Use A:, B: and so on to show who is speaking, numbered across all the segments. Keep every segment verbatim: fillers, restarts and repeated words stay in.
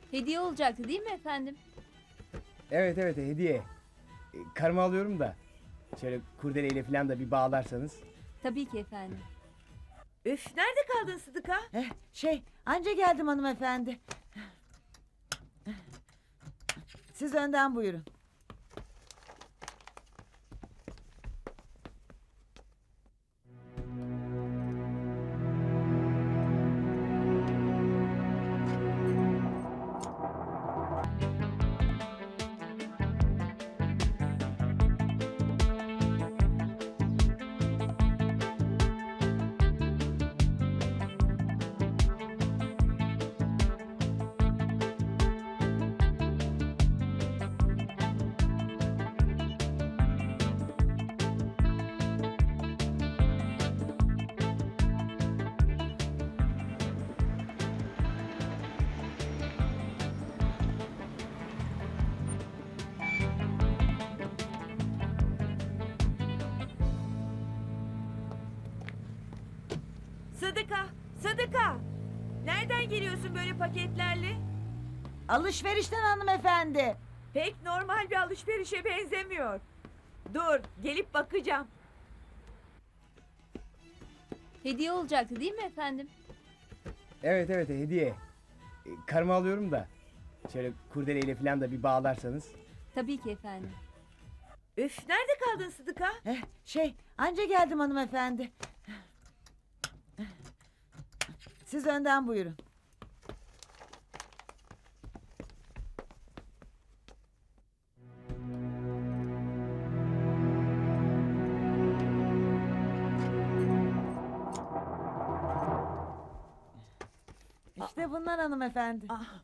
A: Hediye olacaktı değil mi efendim?
B: Evet evet hediye. E, Karımı alıyorum da. Şöyle kurdeleyle falan da bir bağlarsanız.
A: Tabii ki efendim.
C: Üf, nerede kaldın Sıdıka?
D: Eh, şey, anca geldim hanımefendi. Siz önden buyurun.
C: Sıdıka, Sıdıka! Nereden geliyorsun böyle paketlerle?
D: Alışverişten hanımefendi.
C: Pek normal bir alışverişe benzemiyor. Dur, gelip bakacağım.
A: Hediye olacaktı değil mi efendim?
B: Evet evet hediye. E, Karımı alıyorum da. Şöyle kurdeleyle falan da bir bağlarsanız.
A: Tabii ki efendim.
C: Üf, nerede kaldın Sıdıka?
D: Eh, şey, anca geldim hanımefendi. Siz önden buyurun. İşte bunlar hanımefendi.
C: Ah.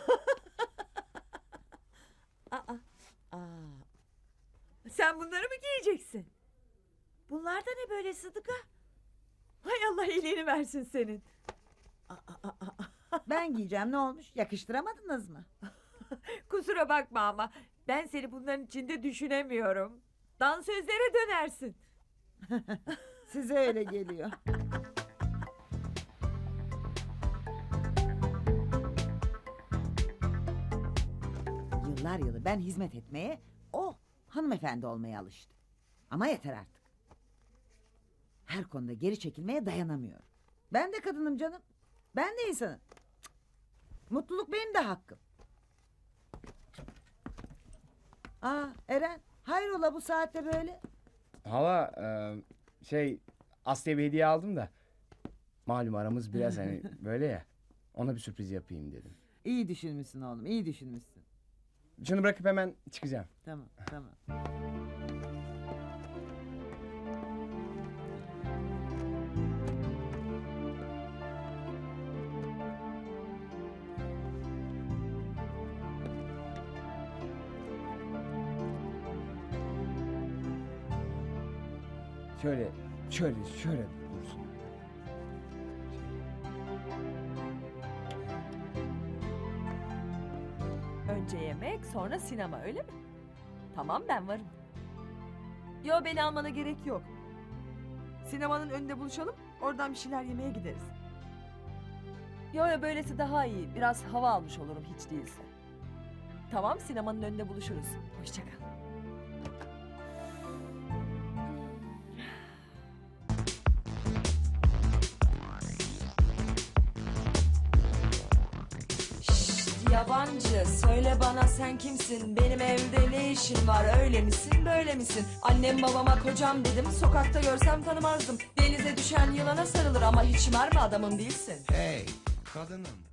C: Aa, aa. Sen bunları mı giyeceksin? Bunlar da ne böyle Sıdıka? Hay Allah iyiliğini versin senin. Aa, aa, aa.
D: Ben giyeceğim, ne olmuş? Yakıştıramadınız mı?
C: Kusura bakma ama ben seni bunların içinde düşünemiyorum. Dansözlere dönersin.
D: Size öyle geliyor. Yıllar yılı ben hizmet etmeye, o hanımefendi olmaya alıştı. Ama yeter artık. Her konuda geri çekilmeye dayanamıyorum. Ben de kadınım canım. Ben de insanım. Cık. Mutluluk benim de hakkım. Aa Eren, hayrola bu saatte böyle?
B: Hala e, şey Aslı'ya bir hediye aldım da. Malum aramız biraz hani böyle ya. Ona bir sürpriz yapayım dedim.
D: İyi düşünmüşsün oğlum, iyi düşünmüşsün.
B: Şunu bırakıp hemen çıkacağım.
D: Tamam, tamam.
B: Şöyle şöyle şöyle dursun.
E: Önce yemek, sonra sinema, öyle mi? Tamam, ben varım. Yo, beni almana gerek yok. Sinemanın önünde buluşalım, oradan bir şeyler yemeye gideriz. Yo yo, böylesi daha iyi. Biraz hava almış olurum hiç değilse. Tamam, sinemanın önünde buluşuruz. Hoşça kal. Yabancı, söyle bana sen kimsin? Benim evde ne işin var? Öyle misin, böyle misin? Annem babama kocam dedim, sokakta görsem tanımazdım. Denize düşen yılana sarılır ama hiç mermi adamım değilsin.
F: Hey kadınım,